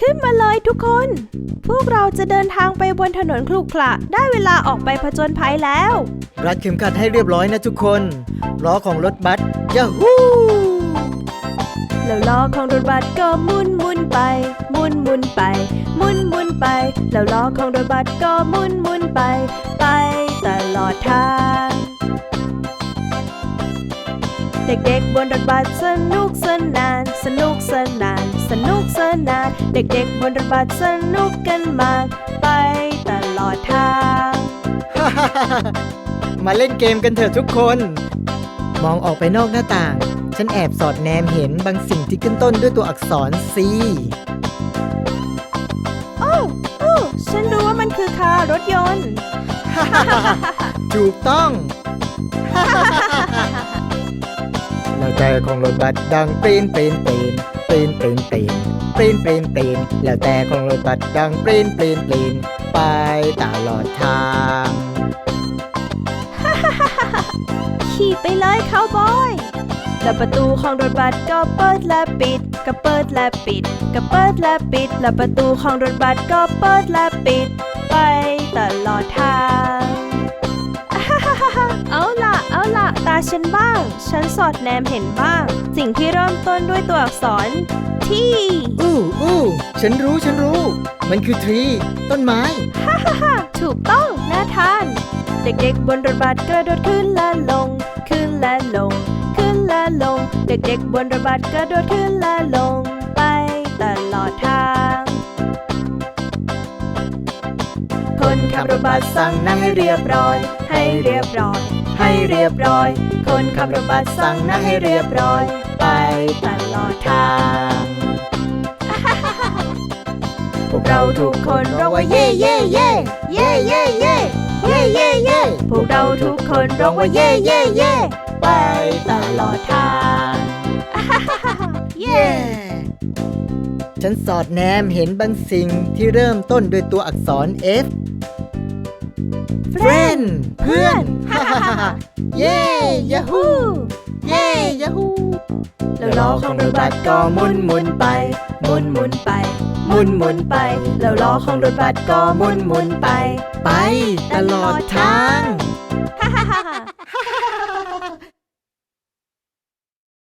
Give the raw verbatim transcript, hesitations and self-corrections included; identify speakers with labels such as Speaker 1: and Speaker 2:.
Speaker 1: ขึ้นมาเลยทุกคน พวกเราจะเดินทางไปบนถนนครุขระได้เวลาออกไปผจญภัยแล้ว
Speaker 2: รัดเข็มขัดให้เรียบร้อยนะทุกคนล้อของรถบัสยาฮู
Speaker 1: แล้วล้อของรถบัสก็หมุนหมุนไปหมุนหมุนไปหมุนหมุนไปแล้วล้อของรถบัสก็หมุนหมุนไปไปตลอดทางเด็กๆบนรถบัสสนุกสนานสนุกสนานสนุกสนานเด็กๆบนรถบัสสนุกกันมากไปตลอดทาง
Speaker 2: มาเล่นเกมกันเถอะทุกคนมองออกไปนอกหน้าต่างฉันแอบสอดแนมเห็นบางสิ่งที่ขึ้นต้นด้วยตัวอักษร C
Speaker 1: โอ้โอ้ฉันรู้ว่ามันคือคารถยนต์
Speaker 2: ถูกต้อง แล้วแต่ของรถบัสดังปรีนปรีนปรีนปรีนปรีนปรีนปรีนปรีนปรีนแล้วแต่ของรถบัสดังปรีนปรีนปรีนไปตลอดทาง
Speaker 1: ขี่ไปเลยคาวบอยแล้วประตูของรถบัสก็เปิดและปิดก็เปิดและปิดก็เปิดและปิดแล้วประตูของรถบัสก็เปิดและปิดไปตลอดทาง เอาล่ะเอาล่ะตาฉันบ้างฉันสอดแนมเห็นบ้างสิ่งที่เริ่มต้นด้วยตัวอักษรที่
Speaker 2: อู้อู้ฉันรู้ฉันรู้มันคือทรีต้นไม้
Speaker 1: ฮ่าฮ่าฮ่าถูกต้องน่าทานเด็กๆบนรถบัสกระโดดขึ้นและลงขึ้นและลงขึ้นและลงเด็กๆบนรถบัสกระโดดขึ้นและลงไปตลอดทางคนขับรถบัสสั่งนั่งให้เรียบร้อยให้เรียบร้อยให้เรียบร้อยคนขับรถบัสสั่งนั่งให้เรียบร้อยไปตลอดทางพวกเราทุกคนร้องว่าเย่เย่เย่เย่เย่เย่เย่เย่เย่พวกเราทุกคนร้องว่าเย่เย่เย่ไปตลอดทางเย่
Speaker 2: ฉันสอดแนมเห็นบางสิ่งที่เริ่มต้นด้วยตัวอักษร F Friend เพื่อน เย้ยาฮูเย้ยาฮู
Speaker 1: แล้วล้อของรถบัสก็หมุนหมุนไปหมุนหมุนไปหมุนหมุนไปแล้วล้อของรถบัสก็หมุนหมุนไป
Speaker 2: ไปตลอดทาง
Speaker 1: ฮ่าฮ่าฮ่า